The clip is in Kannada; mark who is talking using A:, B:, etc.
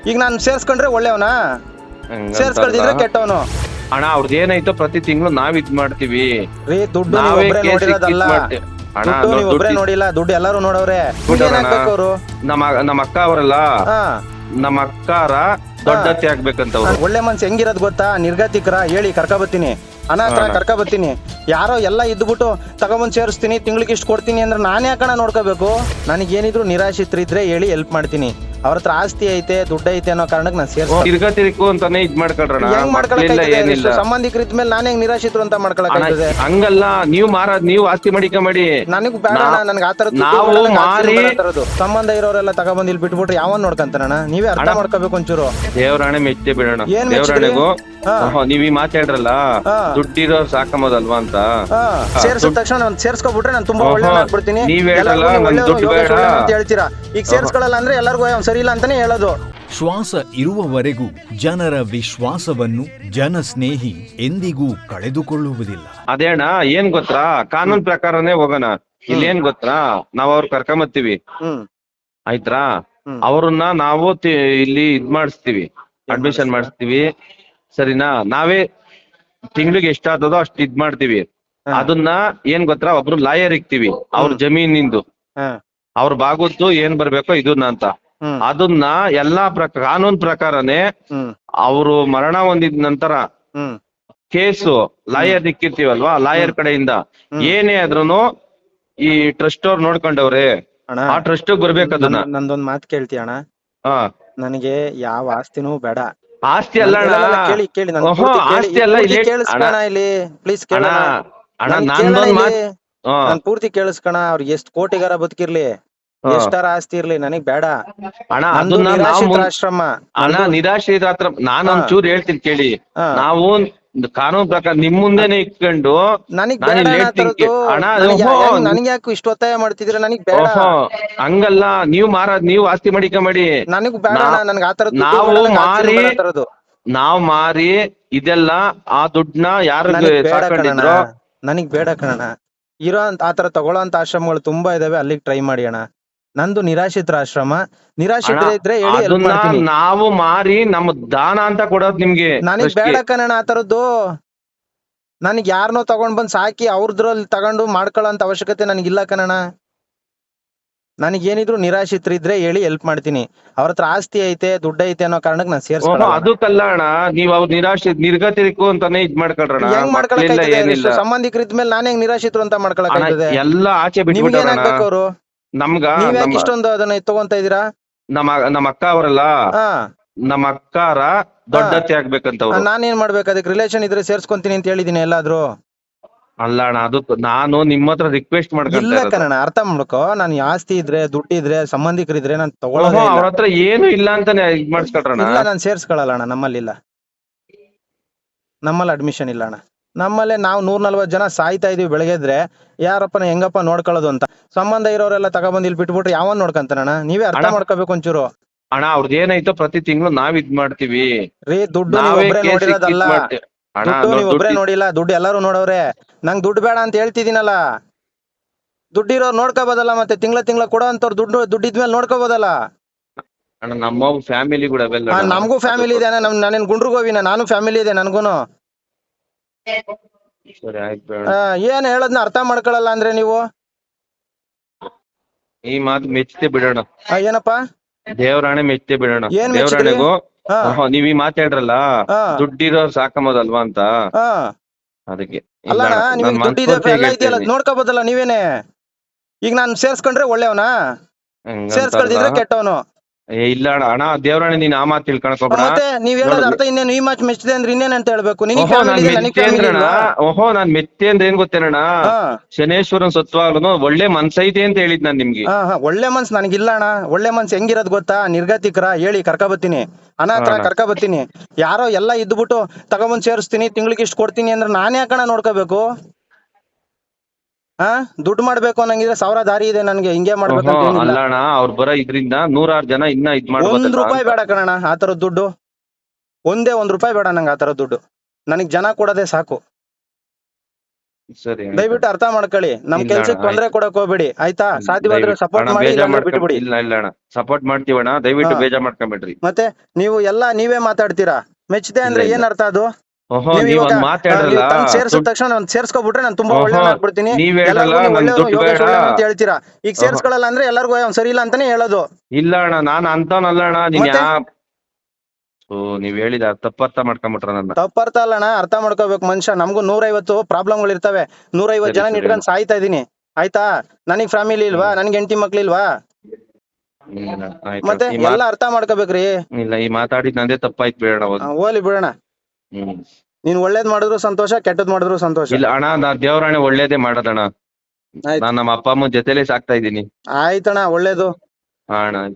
A: ಈಗ ನಾನು ಸೇರ್ಸ್ಕೊಂಡ್ರೆ ಒಳ್ಳೆಯವನಾ, ಸೇರ್ಸ್ಕೊಳ್ದಿದ್ರೆ ಕೆಟ್ಟವನು.
B: ಅಣ್ಣ ಅವ್ರದ್ದು ಏನಾಯ್ತೋ ಪ್ರತಿ ತಿಂಗಳು ನಾವ್ ಇದ್ ಮಾಡ್ತೀವಿ
A: ರೀ ದುಡ್ಡು ನೀವು
B: ನಾವೇ
A: ಒಬ್ರೇ
B: ಕೇಸ್
A: ನೋಡಿರೋದಲ್ಲ,
B: ಅಣ್ಣ
A: ದುಡ್ಡು ನೀವು ಒಬ್ರೇ ನೋಡಿಲ್ಲ, ದುಡ್ಡು ಎಲ್ಲಾರು ನೋಡವ್ರೆ. ಅವರು
B: ನಮ್ಮ ಅಕ್ಕ ಅವರಲ್ಲ,
A: ಹಾ
B: ನಮ್ಮ ಅಕ್ಕಾರ ದೊಡ್ಡತ್ತೆ ಆಗ್ಬೇಕಂತ ಅವ್ರು.
A: ಒಳ್ಳೆ ಮನ್ಸು ಹೆಂಗಿರೋದ್ ಗೊತ್ತಾ, ನಿರ್ಗತಿಕರ ಹೇಳಿ ಕರ್ಕ ಬತ್ತೀನಿ, ಅನಾಥ ಕರ್ಕ ಬತ್ತೀನಿ. ಯಾರೋ ಎಲ್ಲ ಇದ್ಬಿಟ್ಟು ತಗೊಂಬಂದ್ ಸೇರಿಸ್ತೀನಿ, ತಿಂಗ್ಳಿಗೆ ಇಷ್ಟು ಕೊಡ್ತೀನಿ ಅಂದ್ರೆ ನಾನೇ ಯಾಕಣ ನೋಡ್ಕೋಬೇಕು? ನನಗೇನಿದ್ರು ನಿರಾಶ್ರಿತರಿದ್ರೆ ಹೇಳಿ ಹೆಲ್ಪ್ ಮಾಡ್ತೀನಿ. ಅವ್ರ ಹತ್ರ ಆಸ್ತಿ ಐತೆ ದುಡ್ಡು ಐತೆ ಅನ್ನೋ ಕಾರಣಕ್ಕೆ ನಾನು ಸೇರ್ಸ್ತೀನಿ.
B: ತಿರ್ಗತಿರಿಕು ಅಂತಾನೆ ಇದ್ ಮಾಡ್ಕೊಳ್ರಣ.
A: ಏನಿಲ್ಲ ಸಂಬಂಧಿಕರಿದ್ದ ಮೇಲೆ ನಾನೇ ನಿರಾಶ್ರಿತರು ಅಂತ ಮಾಡ್ಕೊಳಕ್ಕೆ
B: ಹಂಗಲ್ಲ. ನೀವು ಆಸ್ತಿ ಮಾಡಿಕೊಂಬೇಡಿ.
A: ನನಗ್ ಬೇಡ, ನನ್ಗೆ ಆತರ
B: ನಾವು ಮಾರಿ
A: ಸಂಬಂಧ ಇರೋರೆಲ್ಲ ತಗೊಂಬಂದ್ ಇಲ್ಲಿ ಬಿಟ್ಬಿಟ್ರೆ ಯಾವನ್ ನೋಡ್ಕಂತಾರಣ? ನೀವೇ ಅರ್ಥ ಮಾಡ್ಕೋಬೇಕು ಒಂಚೂರು.
B: ದೇವರಾಣೆ ಮೆಚ್ಚೆ ಬಿಡೋಣ. ದೇವರಾಣೆಗೂ ನೀವ್ ಈ ಮಾತಾಡ್ರಲ್ಲ ದುಡ್ಡಿರೋ ಸಾಕಂಬೋದಲ್ವಾ ಅಂತ
A: ಸೇರ್ಸಿದ ತಕ್ಷಣ ನಾನು ಸೇರ್ಸ್ಕೊಬಿಟ್ರೆ ನಾನು ತುಂಬಾ ಒಳ್ಳೆ ಆಗ್ಬಿಡ್ತೀನಿ.
B: ನೀವ್ ಹೇಳಲ್ಲ ದುಡ್ಡು ಬೇಡ
A: ಅಂತ ಹೇಳ್ತೀರಾ. ಈಗ ಸೇರ್ಸ್ಕೊಳ್ಳಲ್ಲ ಅಂದ್ರೆ ಎಲ್ಲರಿಗೂ ಸರಿ ಇಲ್ಲ ಅಂತಾನೆ ಹೇಳೋದು.
C: ಶ್ವಾಸ ಇರುವವರೆಗೂ ಜನರ ವಿಶ್ವಾಸವನ್ನು ಜನಸ್ನೇಹಿ ಎಂದಿಗೂ ಕಳೆದುಕೊಳ್ಳುವುದಿಲ್ಲ.
B: ಅದೇಣ್ಣ ಏನ್ ಗೊತ್ತಾ, ಕಾನೂನ್ ಪ್ರಕಾರನೇ ಹೋಗೋಣ. ಇಲ್ಲಿ ಏನ್ ಗೊತ್ತಾ, ನಾವ್ ಅವ್ರ ಕರ್ಕೊಂಬತ್ತೀವಿ ಆಯ್ತಾ, ಅವ್ರನ್ನ ನಾವು ಇಲ್ಲಿ ಇದ್ ಮಾಡಿಸ್ತೀವಿ, ಅಡ್ಮಿಷನ್ ಮಾಡಿಸ್ತೀವಿ ಸರಿನಾ. ನಾವೇ ತಿಂಗ್ಳಿಗೆ ಎಷ್ಟಾಗ್ತದೋ ಅಷ್ಟು ಇದ್ ಮಾಡ್ತೀವಿ. ಅದನ್ನ ಏನ್ ಗೊತ್ತಾ, ಒಬ್ರು ಲಾಯರ್ ಇಕ್ತಿವಿ, ಅವ್ರ ಜಮೀನಿಂದು ಅವ್ರ ಬಾಗುದ್ದು ಏನ್ ಬರ್ಬೇಕೋ ಇದನ್ನ ಅಂತ. ಅದನ್ನ ಎಲ್ಲಾ ಕಾನೂನ್ ಪ್ರಕಾರನೇ ಅವರು ಮರಣ ಹೊಂದಿದ ನಂತರ ಕೇಸು ಲಾಯರ್ ಇಕ್ಕಿರ್ತೀವಲ್ವಾ, ಲಾಯರ್ ಕಡೆಯಿಂದ ಏನೇ ಆದ್ರೂನು ಈ ಟ್ರಸ್ಟ್ ಅವ್ರು ನೋಡ್ಕೊಂಡವ್ರೆ, ಆ ಟ್ರಸ್ಟ್ ಬರ್ಬೇಕು. ಅದನ್ನ
A: ನಂದೊಂದ್ ಮಾತು ಕೇಳ್ತೀಯ ಅಣ್ಣ? ನನಗೆ ಯಾವ ಆಸ್ತಿನೂ ಬೇಡ.
B: ಆಸ್ತಿ ಅಲ್ಲ
A: ಕೇಳಿ ಕೇಳಿ
B: ಆಸ್ತಿ ಅಲ್ಲ
A: ಇಲ್ಲಿ ಪ್ಲೀಸ್ ಕೇಳ
B: ಅಣ್ಣ. ನಾನ್
A: ಪೂರ್ತಿ ಕೇಳಿಸ್ಕಣ. ಅವ್ರಿಗೆ ಎಷ್ಟ್ ಕೋಟಿಗಾರ ಬದುಕಿರ್ಲಿ, ಎಷ್ಟಾರ ಆಸ್ತಿ ಇರ್ಲಿ, ನನಗ್ ಬೇಡ
B: ಅಣ್ಣ. ಅದನ್ನ
A: ಆಶ್ರಮ
B: ಅಣ್ಣ ನಿರಾಶ್ರಿತ ಹತ್ರ ನಾನು ಒಂಚೂರು ಹೇಳ್ತೀನಿ ಕೇಳಿ. ನಾವು ಕಾನೂನು ಪ್ರಕಾರ ನಿಮ್ ಮುಂದೆನೆ ಇಟ್ಕೊಂಡು
A: ನನಗ್ ಯಾಕೆ ಇಷ್ಟು ಒತ್ತಾಯ ಮಾಡ್ತಿದ್ರ? ನನಗ್ ಬೇಡ.
B: ಹಂಗಲ್ಲ, ನೀವು ಆಸ್ತಿ ಮಾಡಿಕೊಂಬೇಡಿ.
A: ನನಗ್ ಬೇಡ, ನನ್ಗೆ ಆತರ
B: ನಾವ್ ಮಾರಿ ಇದೆಲ್ಲ ಆ ದುಡ್ಡನ್ನ ಯಾರು ಸಾಕೊಂಡಿದ್ರು
A: ನನಗ್ ಬೇಡ ಕಣ. ಇರೋ ಆತರ ತಗೊಳ್ಳೋ ಅಂತ ಆಶ್ರಮಗಳು ತುಂಬಾ ಇದಾವೆ, ಅಲ್ಲಿಗೆ ಟ್ರೈ ಮಾಡಿ ಅಣ್ಣ. ನಂದು ನಿರಾಶ್ರಿತರ ಆಶ್ರಮ. ನಿರಾಶ್ರಿತರ ಇದ್ರೆ
B: ನಾವು ಮಾರಿ ನಮ್ಮ ದಾನ ಅಂತ ಕೊಡೋದು ನಿಮ್ಗೆ.
A: ನನಗ್ ಬೇಡ ಕಣ ಆತರದ್ದು. ನನಗ್ ಯಾರನ್ನೋ ತಗೊಂಡ್ ಬಂದ್ ಸಾಕಿ ಅವ್ರದ್ರಲ್ಲಿ ತಗೊಂಡು ಮಾಡ್ಕೊಳ್ಳೋ ಅಂತ ಅವಶ್ಯಕತೆ ನನಗಿಲ್ಲ ಕಣ. ನನಗೇನಿದ್ರು ನಿರಾಶ್ರಿತರಿದ್ರೆ ಹೇಳಿ ಹೆಲ್ಪ್ ಮಾಡ್ತೀನಿ. ಅವ್ರ ಹತ್ರ ಆಸ್ತಿ ಐತೆ ದುಡ್ಡು ಐತೆ ಅನ್ನೋ ಕಾರಣಕ್ಕೆ ನಾನು ಸೇರ್ಸ್ಕೊಳ್ಳ.
B: ಅದಕ್ಕಲ್ಲ ಅಣ್ಣ, ನೀವ್ ಅವ್ರ ನಿರ್ಗತಿರಿಕು ಅಂತಾನೆ ಇದ್ ಮಾಡ್ಕೊಳ್ರಣ.
A: ಹೆಂಗ್ ಮಾಡ್ಕೊಳಕ್? ಸಂಬಂಧಿಕರಿದ್ದ ಮೇಲೆ ನಾನೇ ನಿರಾಶ್ರಿತರು ಅಂತ ಮಾಡ್ಕೊಳಕ್?
B: ಎಲ್ಲ ಆಚೆ ಬಿಟ್ಬಿಟ್ಟು
A: ಅವರು
B: ನಮ್ಗ
A: ಇಷ್ಟೊಂದು ಅದನ್ನ ತಗೊಂತ ಇದೀರಾ?
B: ನಮ್ಮ ಅಕ್ಕ ಅವರಲ್ಲ, ನಮ್ಮ ಅಕ್ಕಾರ ದೊಡ್ಡತ್ತೆ ಆಗ್ಬೇಕಂತ.
A: ನಾನೇನ್ ಮಾಡ್ಬೇಕು? ಅದಕ್ಕೆ ರಿಲೇಷನ್ ಇದ್ರೆ ಸೇರ್ಸ್ಕೊಂತೀನಿ ಅಂತ ಹೇಳಿದೀನಿ ಎಲ್ಲಾದ್ರು.
B: ಅಲ್ಲ ಅಣ್ಣ, ಅದು ನಾನು ನಿಮ್ಮ ಹತ್ರ ರಿಕ್ವೆಸ್ಟ್ ಮಾಡ್ಕೊಂಡ
A: ಅರ್ಥ ಮಾಡ್ಕೋ. ನಾನು ಆಸ್ತಿ ಇದ್ರೆ ದುಡ್ಡಿದ್ರೆ ಸಂಬಂಧಿಕರಿದ್ರೆ ನಾನು ತಗೊಳ್ಳೋದು.
B: ಅವ್ರ ಹತ್ರ ಏನು ಇಲ್ಲ ಅಂತಾನೆ ಇದ್ ಮಾಡಿಸ್ಕೊಳ್ರಣ.
A: ಇಲ್ಲ, ನಾನು ಸೇರ್ಸ್ಕೊಳ್ಳಲ್ಲ ಅಣ್ಣ. ನಮ್ಮಲ್ಲಿ ಇಲ್ಲ, ನಮ್ಮಲ್ಲಿ ಅಡ್ಮಿಷನ್ ಇಲ್ಲ ಅಣ್ಣ. ನಮ್ಮಲ್ಲೇ ನಾವು 140 ಜನ ಸಾಯ್ತಾ ಇದೀವಿ ಬೆಳಗ್ಗೆದ್ರೆ. ಯಾರಪ್ಪನ ಹೆಂಗಪ್ಪ ನೋಡ್ಕೊಳ್ಳೋದು ಅಂತ. ಸಂಬಂಧ ಇರೋರೆಲ್ಲ ತಗೊಬಂದ್ ಇಲ್ಲಿ ಬಿಟ್ಬಿಟ್ರೆ ಯಾವನ್ ನೋಡ್ಕಂತಾರಣ್ಣ? ನೀವೇ ಅರ್ಥ ಮಾಡ್ಕೋಬೇಕು ಒಂಚೂರು.
B: ಅಣ್ಣ ಅವ್ರದ್ದು ಏನಾಯ್ತೋ ಪ್ರತಿ ತಿಂಗಳು ನಾವ್ ಇದ್ ಮಾಡ್ತೀವಿ.
A: ರೀ ದುಡ್ಡು ನೀವು ಒಬ್ರೇ ನೋಡಿಲ್ಲ, ದುಡ್ಡು ಎಲ್ಲಾರು ನೋಡವ್ರೆ. ನಂಗ್ ದುಡ್ಡು ಬೇಡ ಅಂತ ಹೇಳ್ತಿದೀನಲ್ಲ. ದುಡ್ಡಿರೋರು ನೋಡ್ಕೋಬೋದಲ್ಲ, ಮತ್ತೆ ತಿಂಗಳ ಕೊಡೋ ಅಂತವ್ರು ದುಡ್ಡಿದ್ಮೇಲೆ ನೋಡ್ಕೋಬೋದಲ್ಲ.
B: ನಮ್ಮ ಫ್ಯಾಮಿಲಿ ಕೂಡ
A: ನಮಗೂ ಫ್ಯಾಮಿಲಿ ಇದೆ. ನಾನೇನ್ ಗುಂಡ್ರಿಗೋವಿನ? ನಾನು ಫ್ಯಾಮಿಲಿ ಇದೆ ನನ್ಗೂನು. ಏನ್ ಹೇಳದ್ನ ಅರ್ಥ ಮಾಡ್ಕೊಳಲ್ಲ ಅಂದ್ರೆ ನೀವು?
B: ಈ ಮಾತು ಮೆಚ್ಚತೆ ಬಿಡೋಣ.
A: ಏನಪ್ಪಾ?
B: ದೇವರಾಣೆ ಮೆಚ್ಚತೆ ಬಿಡೋಣ. ದೇವರಾಣೆಗೂ ನೀವ್ ಈ ಮಾತಾಡ್ರಲ್ಲ ದುಡ್ಡಿರೋ ಸಾಕಂಬೋದಲ್ವಾ ಅಂತ, ಅದಕ್ಕೆ.
A: ಅಲ್ಲ ನೋಡ್ಕೋಬೋದಲ್ಲ ನೀವೇನೆ. ಈಗ ನಾನು ಸೇರ್ಸ್ಕೊಂಡ್ರೆ ಒಳ್ಳೆಯವನಾ, ಸೇರ್ಸ್ಕೊಳ್ದಿದ್ರೆ ಕೆಟ್ಟವನು?
B: ಇಲ್ಲ ಅಣ್ಣ, ದೇವರಾಣೆ ನೀನ್ ಆ ಮಾತು ತಿಳ್ಕೊಳಕೋಬೇಡ.
A: ಮತ್ತೆ ನೀವ್ ಹೇಳೋದ್ ಅರ್ಥ ಇನ್ನೇನು? ಈ ಮಾತು ಮೆಚ್ಚಿದೆ ಅಂದ್ರೆ ಇನ್ನೇನ್ ಅಂತ ಹೇಳ್ಬೇಕು?
B: ನಾನ್ ಮೆತ್ತೆ ಅಂದ್ರೆ ಏನ್ ಗೊತ್ತೇನಣ್ಣ, ಶನೇಶ್ವರನ್ ಸತ್ವಾಗ್ಲೂ ಒಳ್ಳೆ ಮನ್ಸೈತೆ ಅಂತ ಹೇಳಿದ್ ನಾನ್ ನಿಮ್ಗೆ.
A: ಒಳ್ಳೆ ಮನ್ಸ್ ನನಗಿಲ್ಲ ಅಣ್ಣ. ಒಳ್ಳೆ ಮನ್ಸ್ ಹೆಂಗಿರೋದ್ ಗೊತ್ತಾ? ನಿರ್ಗತಿಕರ ಹೇಳಿ ಕರ್ಕ ಬತ್ತೀನಿ, ಅನಾಥ ಕರ್ಕ ಬತ್ತೀನಿ. ಯಾರೋ ಎಲ್ಲ ಇದ್ಬಿಟ್ಟು ತಗೊಂಬಂದ್ ಸೇರಿಸ್ತೀನಿ, ತಿಂಗ್ಳಿಗೆ ಇಷ್ಟು ಕೊಡ್ತೀನಿ ಅಂದ್ರೆ ನಾನೇ ಯಾಕಣ ನೋಡ್ಕೋಬೇಕು? ದುಡ್ಡು ಮಾಡ್ಬೇಕು ಅನ್ನಂಗಿದ್ರೆ 1000 ದಾರಿ ಇದೆ ನನ್ಗೆ. ಹಿಂಗೆ ಮಾಡ್ಬೇಕು.
B: ಅಲ್ಲಣ್ಣ, ಅವ್ರು ಬರೋ ಇದ್ರಿಂದ 100 ಜನ ಇನ್ನ ಇದ್ ಮಾಡ್ಬೋದು.
A: 1 ರೂಪಾಯಿ ಬೇಡ ಕಣಣ್ಣ ಆತರದ್ ದುಡ್ಡು. ಒಂದೇ 1 ರೂಪಾಯಿ ಬೇಡ ನಂಗೆ ಆತರದ್ ದುಡ್ಡು. ನನಗ್ ಜನ ಕೊಡೋದೇ ಸಾಕು.
B: ಸರಿ ಅಣ್ಣ.
A: ದಯವಿಟ್ಟು ಅರ್ಥ ಮಾಡ್ಕೊಳ್ಳಿ. ನಮ್
B: ಇಲ್ಲ
A: ಕೆಲ್ಸಕ್ಕೆ
B: ಅಣ್ಣ,
A: ತೊಂದ್ರೆ ಕೊಡಕ್ ಹೋಗ್ಬೇಡಿ ಆಯ್ತಾ. ಸಾಧ್ಯವಾದ್ರೆ
B: ದಯವಿಟ್ಟು
A: ಸಪೋರ್ಟ್
B: ಅಣ್ಣ
A: ಮಾಡಿ,
B: ಬೇಜಾರ್
A: ಇಲ್ಲಾಂದ್ರೆ ಬಿಟ್ಬಿಡಿ.
B: ಇಲ್ಲ ಇಲ್ಲ ಅಣ್ಣ, ಸಪೋರ್ಟ್ ಮಾಡ್ತೀವಣ್ಣ, ದಯವಿಟ್ಟು
A: ಹಾ.
B: ಬೇಜಾರ್ ಮಾಡ್ಕೊಂಬೇಡ್ರಿ.
A: ಮತ್ತೆ ನೀವು ಎಲ್ಲಾ ನೀವೇ ಮಾತಾಡ್ತೀರಾ. ಮೆಚ್ಚದೆ ಅಂದ್ರೆ
B: ಇಲ್ಲ,
A: ಏನ್ ಅರ್ಥ ಅದು?
B: ಓಹೋ,
A: ನೀವು
B: ನೀವ್
A: ಇವಾಗ
B: ಒಂದ್ ಮಾತಾಡ್ರಲ್ಲ,
A: ಸೇರ್ಸಿದ ತಕ್ಷಣ ನಾನು ಸೇರ್ಸ್ಕೊಬಿಟ್ರೆ ನಾನು ತುಂಬಾ
B: ಓಹೋ,
A: ಒಳ್ಳೆಯವ್ನಾಗ್ಬಿಡ್ತೀನಿ,
B: ನೀವ್ ಹೇಳಲ್ಲ,
A: ಎಲ್ಲರಿಗೂ ನೀವು
B: ನನ್
A: ಒಳ್ಳೆಯವ್ನು,
B: ದುಡ್ಡು
A: ಯೋಗೇಶ್
B: ಬೇಡ.
A: ಒಳ್ಳೆಯವ್ನು ಅಂತ ಹೇಳ್ತೀರಾ. ಈಗ
B: ಓಹೋ.
A: ಸೇರ್ಸ್ಕೊಳಲ್ಲ ಅಂದ್ರೆ ಎಲ್ಲರಿಗೂ ಅವ್ನು ಸರಿ ಇಲ್ಲ ಅಂತಾನೆ ಹೇಳೋದು.
B: ಇಲ್ಲ ಅಣ್ಣ, ನಾನ್ ಅಂತವನಲ್ಲ ಅಣ್ಣ, ನೀನ್
A: ಮತ್ತೆ?
B: ನೀವ್ ಹೇಳಿದ ತಪ್ಪರ್ಥ ಮಾಡ್ಕೊಂಬಿಟ್ರ ನನ್ನ.
A: ತಪ್ಪರ್ಥ ಅಲ್ಲಣ್ಣ, ಅರ್ಥ ಮಾಡ್ಕೋಬೇಕು ಮನುಷ್ಯ. ನಮಗೂ 150 ಪ್ರಾಬ್ಲಮ್ಗಳು ಇರ್ತವೆ. 150 ಜನ
B: ಸರಿ,
A: ಇಟ್ಕೊಂಡು ಸಾಯ್ತಾ ಇದೀನಿ ಆಯ್ತಾ. ನನಗ್ ಫ್ಯಾಮಿಲಿ ಇಲ್ವಾ? ನನ್ಗೆ ಹೆಂಡತಿ ಮಕ್ಳಿಲ್ವಾ?
B: ಇಲ್ಲ, ಆಯ್ತು.
A: ಮತ್ತೆ ಎಲ್ಲ ಅರ್ಥ ಮಾಡ್ಕೋಬೇಕ್ರಿ.
B: ಇಲ್ಲ, ಈ ಮಾತಾಡಿದ್ ನಂದೇ ತಪ್ಪಾಯ್ತು, ಬೇಡ ಅವಾಗ.
A: ಹೋಗ್ಲಿ ಬಿಡೋಣ.
B: ಹ್ಮ್.
A: ನೀನ್ ಒಳ್ಳೇದ್ ಮಾಡಿದ್ರು ಸಂತೋಷ, ಕೆಟ್ಟದ್ ಮಾಡಿದ್ರು ಸಂತೋಷ.
B: ಇಲ್ಲ ಅಣ್ಣ, ನಾ ದೇವ್ರಾಣೆ ಒಳ್ಳೇದೇ ಮಾಡೋದಣ್ಣ.
A: ಆಯ್ತು
B: ನಾನ್ ನಮ್ಮ ಅಪ್ಪ ಅಮ್ಮನ ಜೊತೆಲೆ ಸಾಕ್ತಾ ಇದೀನಿ.
A: ಆಯ್ತಣ್ಣ, ಒಳ್ಳೇದು.
B: ಹಾ ಅಣ್ಣ.